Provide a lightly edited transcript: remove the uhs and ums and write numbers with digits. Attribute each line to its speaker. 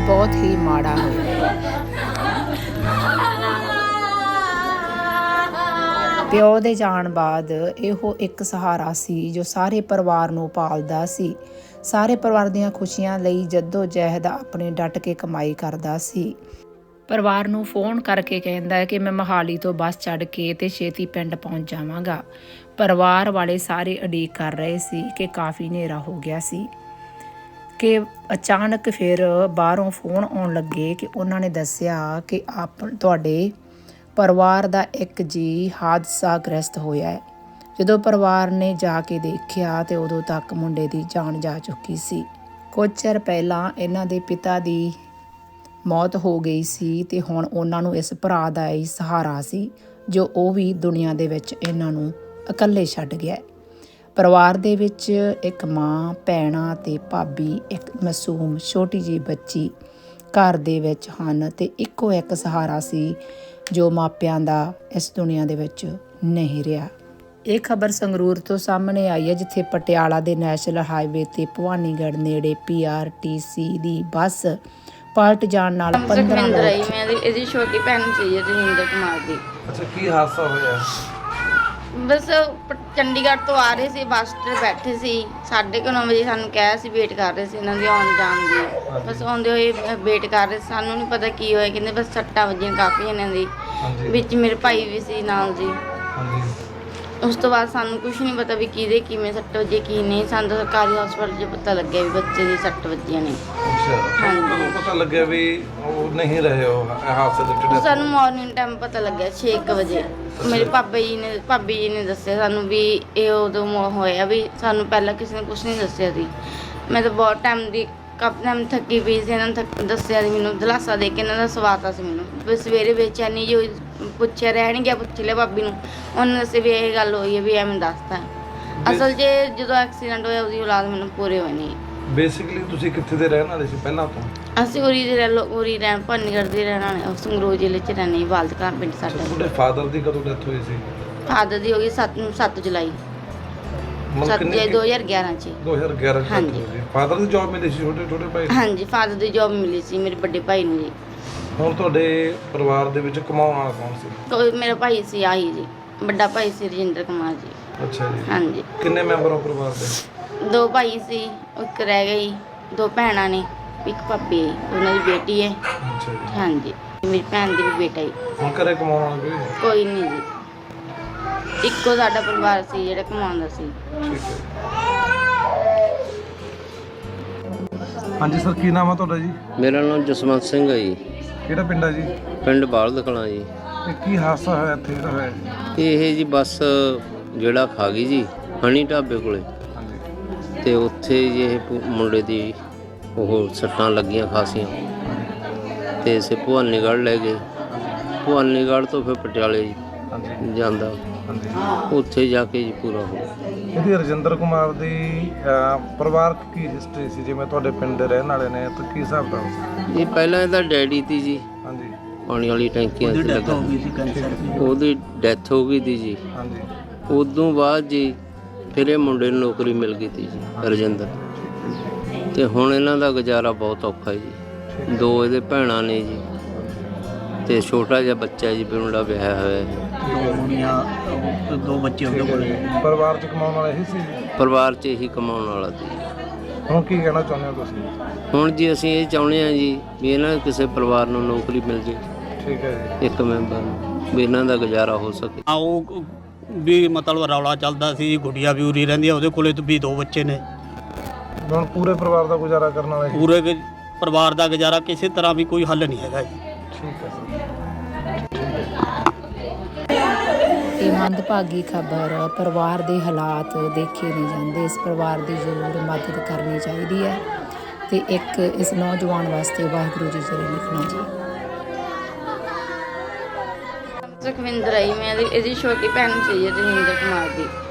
Speaker 1: बहुत ही माड़ा होया। ਪਿਓ ਦੇ ਜਾਣ ਬਾਅਦ ਇਹੋ ਇੱਕ ਸਹਾਰਾ ਸੀ ਜੋ ਸਾਰੇ ਪਰਿਵਾਰ ਨੂੰ ਪਾਲਦਾ ਸੀ। ਸਾਰੇ ਪਰਿਵਾਰ ਦੀਆਂ ਖੁਸ਼ੀਆਂ ਲਈ ਜੱਦੋ ਜਹਿਦ ਆਪਣੇ ਡਟ ਕੇ ਕਮਾਈ ਕਰਦਾ ਸੀ। ਪਰਿਵਾਰ ਨੂੰ ਫੋਨ ਕਰਕੇ ਕਹਿੰਦਾ ਹੈ ਕਿ ਮੈਂ ਮੋਹਾਲੀ ਤੋਂ ਬੱਸ ਚੜ੍ਹ ਕੇ ਤੇ ਛੇਤੀ ਪਿੰਡ ਪਹੁੰਚ ਜਾਵਾਂਗਾ। ਪਰਿਵਾਰ ਵਾਲੇ ਸਾਰੇ ਉਡੀਕ ਕਰ ਰਹੇ ਸੀ ਕਿ ਕਾਫੀ ਹਨੇਰਾ ਹੋ ਗਿਆ ਸੀ ਕਿ ਅਚਾਨਕ ਫਿਰ ਬਾਹਰੋਂ ਫੋਨ ਆਉਣ ਲੱਗੇ ਕਿ ਉਹਨਾਂ ਨੇ ਦੱਸਿਆ ਕਿ ਤੁਹਾਡੇ ਪਰਿਵਾਰ ਦਾ ਇੱਕ ਜੀ ਹਾਦਸਾ ਗ੍ਰਸਤ ਹੋਇਆ ਹੈ। ਜਦੋਂ ਪਰਿਵਾਰ ਨੇ ਜਾ ਕੇ ਦੇਖਿਆ ਤੇ ਉਦੋਂ ਤੱਕ ਮੁੰਡੇ ਦੀ ਜਾਨ ਜਾ ਚੁੱਕੀ ਸੀ। ਕੁਝ ਚਿਰ ਪਹਿਲਾਂ ਇਹਨਾਂ ਦੇ ਪਿਤਾ ਦੀ ਮੌਤ ਹੋ ਗਈ ਸੀ ਤੇ ਹੁਣ ਉਹਨਾਂ ਨੂੰ ਇਸ ਭਰਾ ਦਾ ਹੀ ਸਹਾਰਾ ਸੀ ਜੋ ਉਹ ਵੀ ਦੁਨੀਆ ਦੇ ਵਿੱਚ ਇਹਨਾਂ ਨੂੰ ਇਕੱਲੇ ਛੱਡ ਗਿਆ। ਪਰਿਵਾਰ ਦੇ ਵਿੱਚ ਇੱਕ ਮਾਂ, ਭੈਣਾਂ ਤੇ ਭਾਬੀ, ਇੱਕ ਮਾਸੂਮ ਛੋਟੀ ਜਿਹੀ ਬੱਚੀ ਘਰ ਦੇ ਵਿੱਚ ਹਨ ਤੇ ਇੱਕੋ ਇੱਕ ਸਹਾਰਾ ਸੀ ਜੋ ਮਾਪਿਆਂ ਦਾ ਇਸ ਦੁਨੀਆ ਦੇ ਵਿੱਚ ਨਹੀਂ ਰਿਹਾ। ਇਹ ਖਬਰ ਸੰਗਰੂਰ ਤੋਂ ਸਾਹਮਣੇ ਆਈ ਹੈ, ਜਿੱਥੇ ਪਟਿਆਲਾ ਦੇ ਨੈਸ਼ਨਲ ਹਾਈਵੇ ਤੇ ਭਵਾਨੀਗੜ੍ਹ ਨੇੜੇ PRTC ਦੀ ਬੱਸ ਪਲਟ ਜਾਣ ਨਾਲ 15 ਲੋਕ।
Speaker 2: ਇਹਦੀ ਛੋਟੀ ਭੈਣ ਸੀ ਰਜਿੰਦਰ ਕੁਮਾਰ ਦੀ।
Speaker 3: ਅੱਛਾ, ਕੀ ਹਾਦਸਾ ਹੋਇਆ?
Speaker 2: ਬਸ ਚੰਡੀਗੜ੍ਹ ਤੋਂ ਆ ਰਹੇ ਸੀ, ਬੱਸ 'ਤੇ ਬੈਠੇ ਸੀ। 9:30 ਵਜੇ ਸਾਨੂੰ ਕਿਹਾ ਸੀ, ਵੇਟ ਕਰ ਰਹੇ ਸੀ ਇਹਨਾਂ ਦੀ ਆਉਣ ਜਾਣ ਦੀ। ਬਸ ਆਉਂਦੇ ਹੋਏ ਵੇਟ ਕਰ ਰਹੇ, ਸਾਨੂੰ ਨਹੀਂ ਪਤਾ ਕੀ ਹੋਇਆ। ਕਹਿੰਦੇ ਬਸ ਸੱਟਾਂ ਵੱਜੀਆਂ ਕਾਫੀ ਇਹਨਾਂ ਦੀ, ਵਿੱਚ ਮੇਰੇ ਭਾਈ ਵੀ ਸੀ ਨਾਲ ਜੀ। ਉਸ ਤੋਂ ਬਾਅਦ ਸਾਨੂੰ ਕੁਝ ਨਹੀਂ ਪਤਾ ਵੀ ਕਿਹਦੇ ਕਿਵੇਂ ਸੱਟ ਵੱਜੀ ਕੀ ਨਹੀਂ। ਸਾਨੂੰ ਤਾਂ ਸਰਕਾਰੀ ਹਸਪਤਾਲ 'ਚ ਪਤਾ ਲੱਗਿਆ ਵੀ ਬੱਚੇ ਦੀ ਸੱਟ ਵੱਜੀਆਂ ਨੇ।
Speaker 3: ਹਾਂਜੀ, ਪਤਾ ਲੱਗਿਆ ਵੀ ਉਹ ਨਹੀਂ ਰਹੇ ਉਹ ਹਾਦਸੇ ਦੇ ਵਿੱਚ।
Speaker 2: ਸਾਨੂੰ ਮਾਰਨਿੰਗ ਟਾਈਮ ਪਤਾ ਲੱਗਿਆ 6 ਵਜੇ। ਮੇਰੇ ਭਾਬੀ ਜੀ ਨੇ ਦੱਸਿਆ ਸਾਨੂੰ ਵੀ ਇਹ ਉਦੋਂ ਹੋਇਆ ਵੀ ਸਾਨੂੰ ਪਹਿਲਾਂ ਕਿਸੇ ਨੇ ਕੁਝ ਨਹੀਂ ਦੱਸਿਆ ਸੀ। ਮੈਂ ਤਾਂ ਬਹੁਤ ਟਾਈਮ ਦੀ ਕਾਫੀ ਟਾਈਮ ਥੱਕੀ ਪਈ ਸੀ। ਇਹਨਾਂ ਨੇ ਦੱਸਿਆ ਸੀ ਮੈਨੂੰ, ਦਿਲਾਸਾ ਦੇ ਕੇ ਇਹਨਾਂ ਦਾ ਸਵਾਤਾ ਸੀ ਮੈਨੂੰ। ਵੀ ਸਵੇਰੇ ਬੇਚੈਨੀ ਜੋ ਪੁੱਛਿਆ ਰਹਿਣ ਗਿਆ, ਪੁੱਛ ਲਿਆ ਭਾਬੀ ਨੂੰ, ਉਹਨੇ ਦੱਸਿਆ ਵੀ ਇਹ ਗੱਲ ਹੋਈ ਹੈ ਵੀ ਐਵੇਂ ਦੱਸਤਾ। ਅਸਲ 'ਚ ਜਦੋਂ ਐਕਸੀਡੈਂਟ ਹੋਇਆ ਉਹਦੀ ਔਲਾਦ ਮੈਨੂੰ ਪੂਰੇ ਹੋਏ ਨਹੀਂ।
Speaker 3: ਬੇਸਿਕਲੀ ਤੁਸੀਂ ਕਿੱਥੇ ਦੇ ਰਹਿਣ ਵਾਲੇ ਸੀ ਪਹਿਲਾਂ ਤੋਂ?
Speaker 2: ਅਸੀਂ ਉਰੀ ਰਹਿਣ ਭਵਾਨੀਗੜ੍ਹ ਦੇ ਰਹਿਣ ਵਾਲੇ, ਸੰਗਰੂਰ ਜ਼ਿਲ੍ਹੇ 'ਚ ਰਹਿੰਦੇ ਬਾਲਦਕਾਂ ਪਿੰਡ ਸਾਡਾ।
Speaker 3: ਤੁਹਾਡੇ ਫਾਦਰ ਦੀ ਕਦੋਂ ਡੈਥ ਹੋਈ ਸੀ?
Speaker 2: ਫਾਦਰ ਦੀ ਹੋ ਗਈ 7 ਜੁਲਾਈ 2011 'ਚ।
Speaker 3: 2011 ਚ
Speaker 2: ਹਾਂਜੀ।
Speaker 3: ਫਾਦਰ ਦੀ ਜੌਬ ਮਿਲੀ ਸੀ ਛੋਟੇ ਭਾਈ?
Speaker 2: ਹਾਂਜੀ, ਫਾਦਰ ਦੀ ਜੌਬ ਮਿਲੀ ਸੀ ਮੇਰੇ ਵੱਡੇ ਭਾਈ ਨੂੰ ਜੀ।
Speaker 3: ਹੁਣ ਤੁਹਾਡੇ ਪਰਿਵਾਰ ਦੇ ਵਿੱਚ ਕਮਾਉਣ ਵਾਲਾ ਕੌਣ ਸੀ?
Speaker 2: ਕੋਈ ਮੇਰਾ ਭਾਈ ਸੀ ਆਹੀ ਜੀ, ਵੱਡਾ ਭਾਈ ਸੀ ਰਜਿੰਦਰ ਕੁਮਾਰ ਜੀ।
Speaker 3: ਅੱਛਾ ਜੀ।
Speaker 2: ਹਾਂਜੀ।
Speaker 3: ਕਿੰਨੇ ਮੈਂਬਰ ਹੋ ਪਰਿਵਾਰ ਦੇ?
Speaker 2: 2 ਭਾਈ ਸੀ, ਇੱਕ ਰਹਿ ਗਈ, 2 ਭੈਣਾਂ ਨੇ, ਇੱਕ ਭਾਬੀ ਹੈ, ਉਹਨਾਂ ਦੀ ਬੇਟੀ ਹੈ।
Speaker 3: ਅੱਛਾ ਜੀ।
Speaker 2: ਹਾਂਜੀ, ਮੇਰੀ ਭੈਣ ਦੀ ਵੀ ਬੇਟਾ ਹੈ।
Speaker 3: ਹੁਣ ਘਰੇ ਕਮਾਉਣ ਵਾਲਾ
Speaker 2: ਕੋਈ ਨਹੀਂ ਜੀ, ਇੱਕੋ ਸਾਡਾ ਪਰਿਵਾਰ ਸੀ ਜਿਹੜਾ ਕਮਾਉਂਦਾ ਸੀ।
Speaker 3: ਠੀਕ ਹੈ। ਹਾਂਜੀ ਸਰ, ਕੀ ਨਾਮ ਆ ਤੁਹਾਡਾ ਜੀ?
Speaker 4: ਮੇਰਾ ਨਾਮ ਜਸਵੰਤ ਸਿੰਘ ਹੈ ਜੀ।
Speaker 3: ਕਿਹੜਾ ਪਿੰਡ ਆ ਜੀ?
Speaker 4: ਪਿੰਡ ਬਾਲਦ ਕਲਾਂ ਜੀ।
Speaker 3: ਇਹ ਕੀ ਹਾਦਸਾ ਹੋਇਆ ਇੱਥੇ ਜਿਹੜਾ ਹੋਇਆ ਜੀ?
Speaker 4: ਇਹ ਜੀ ਬੱਸ ਜਿਹੜਾ ਖਾ ਗਈ ਜੀ ਹਣੀ ਢਾਬੇ ਕੋਲੇ,
Speaker 3: ਹਾਂਜੀ।
Speaker 4: ਤੇ ਉੱਥੇ ਜੀ ਇਹ ਮੁੰਡੇ ਦੀ ਉਹ ਸੱਟਾਂ ਲੱਗੀਆਂ ਖਾਸੀਆਂ, ਤੇ ਇਸੇ ਭਵਾਨੀਗੜ੍ਹ ਲੈ ਗਏ। ਭਵਾਨੀਗੜ੍ਹ ਤੋਂ ਫਿਰ ਪਟਿਆਲੇ
Speaker 3: ਹਾਂਜੀ
Speaker 4: ਜਾਂਦਾ,
Speaker 3: ਹਾਂਜੀ।
Speaker 4: ਉੱਥੇ ਜਾ ਕੇ ਜੀ ਪੂਰਾ ਹੋ ਗਿਆ।
Speaker 3: ਇਹਦੀ ਰਜਿੰਦਰ ਕੁਮਾਰ ਦੀ ਪਰਿਵਾਰਕ ਕੀ ਹਿਸਟਰੀ ਸੀ? ਜਿਵੇਂ ਤੁਹਾਡੇ ਪਿੰਡ ਦੇ ਰਹਿਣ ਵਾਲੇ ਨੇ ਤਾਂ ਕੀ ਹਿਸਾਬ ਦਾ ਸੀ?
Speaker 4: ਇਹ ਪਹਿਲਾਂ ਇਹਦਾ ਡੈਡੀ ਤੀ ਜੀ,
Speaker 3: ਹਾਂਜੀ।
Speaker 4: ਪਾਣੀ ਵਾਲੀ ਟੈਂਕੀਆਂ 'ਚ ਲੱਗਾ, ਉਹਦੀ ਡੈਥ ਹੋ ਗਈ ਤੀ ਜੀ।
Speaker 3: ਹਾਂਜੀ।
Speaker 4: ਉਦੋਂ ਬਾਅਦ ਜੀ ਫਿਰ ਇਹ ਮੁੰਡੇ ਨੂੰ ਨੌਕਰੀ ਮਿਲ ਗਈ ਤੀ ਜੀ ਰਜਿੰਦਰ, ਤੇ ਹੁਣ ਇਹਨਾਂ ਦਾ ਗੁਜ਼ਾਰਾ ਬਹੁਤ ਔਖਾ ਜੀ। 2 ਇਹਦੇ ਭੈਣਾਂ ਨੇ ਜੀ, ਤੇ ਛੋਟਾ ਜਿਹਾ ਬੱਚਾ ਜੀ ਮੁੰਡਾ ਵਿਆਹਿਆ ਹੋਇਆ ਹੈ।
Speaker 5: 2 ਬੱਚੇ ਉਹਦੇ ਕੋਲ।
Speaker 3: ਪਰਿਵਾਰ 'ਚ ਕਮਾਉਣ ਵਾਲਾ ਇਹੀ ਸੀ?
Speaker 4: ਪਰਿਵਾਰ 'ਚ ਇਹੀ ਕਮਾਉਣ ਵਾਲਾ ਸੀ।
Speaker 3: ਹੁਣ ਕੀ ਕਹਿਣਾ ਚਾਹੁੰਦੇ ਹੋ ਤੁਸੀਂ?
Speaker 4: ਹੁਣ ਜੀ ਅਸੀਂ ਇਹ ਚਾਹੁੰਦੇ ਹਾਂ ਜੀ ਵੀ ਇਹਨਾਂ ਕਿਸੇ ਪਰਿਵਾਰ ਨੂੰ ਨੌਕਰੀ ਮਿਲ ਜੇ,
Speaker 3: ਠੀਕ ਹੈ ਜੀ।
Speaker 4: ਇੱਕ ਮੈਂਬਰ ਨੂੰ, ਵੀ ਇਹਨਾਂ ਦਾ ਗੁਜ਼ਾਰਾ ਹੋ ਸਕੇ।
Speaker 5: ਉਹ ਵੀ ਮਤਲਬ ਰੌਲਾ ਚੱਲਦਾ ਸੀ, ਗੁੱਡੀਆ ਵੀ ਉਰੀ ਰਹਿੰਦੀ ਆ, ਉਹਦੇ ਕੋਲੇ ਵੀ 2 ਬੱਚੇ ਨੇ।
Speaker 3: ਹੁਣ ਪੂਰੇ ਪਰਿਵਾਰ ਦਾ ਗੁਜ਼ਾਰਾ ਕਰਨ ਵਾਲਾ ਇਹੀ?
Speaker 5: ਪੂਰੇ ਪਰਿਵਾਰ ਦਾ ਗੁਜ਼ਾਰਾ ਕਿਸੇ ਤਰ੍ਹਾਂ ਵੀ ਕੋਈ ਹੱਲ ਨਹੀਂ ਹੈਗਾ ਜੀ।
Speaker 3: ਠੀਕ ਹੈ।
Speaker 1: ਇਹ ਮੰਦਭਾਗੀ ਖਬਰ, ਪਰਿਵਾਰ ਦੇ ਹਾਲਾਤ ਦੇਖੇ ਨਹੀਂ ਜਾਂਦੇ। ਇਸ ਪਰਿਵਾਰ ਦੀ ਜ਼ਰੂਰ ਮਦਦ ਕਰਨੀ ਚਾਹੀਦੀ ਹੈ ਤੇ ਇੱਕ ਇਸ ਨੌਜਵਾਨ ਵਾਸਤੇ ਵਾਹਿਗੁਰੂ ਜੀ ਜ਼ਰੂਰ ਲਿਖਣਾ ਜੀ।
Speaker 2: ਸੁਖਵਿੰਦਰ ਆਈ, ਮੈਂ ਇਹਦੀ ਛੋਟੀ ਭੈਣ ਸੀ ਰਜਿੰਦਰ ਕੁਮਾਰ ਦੀ।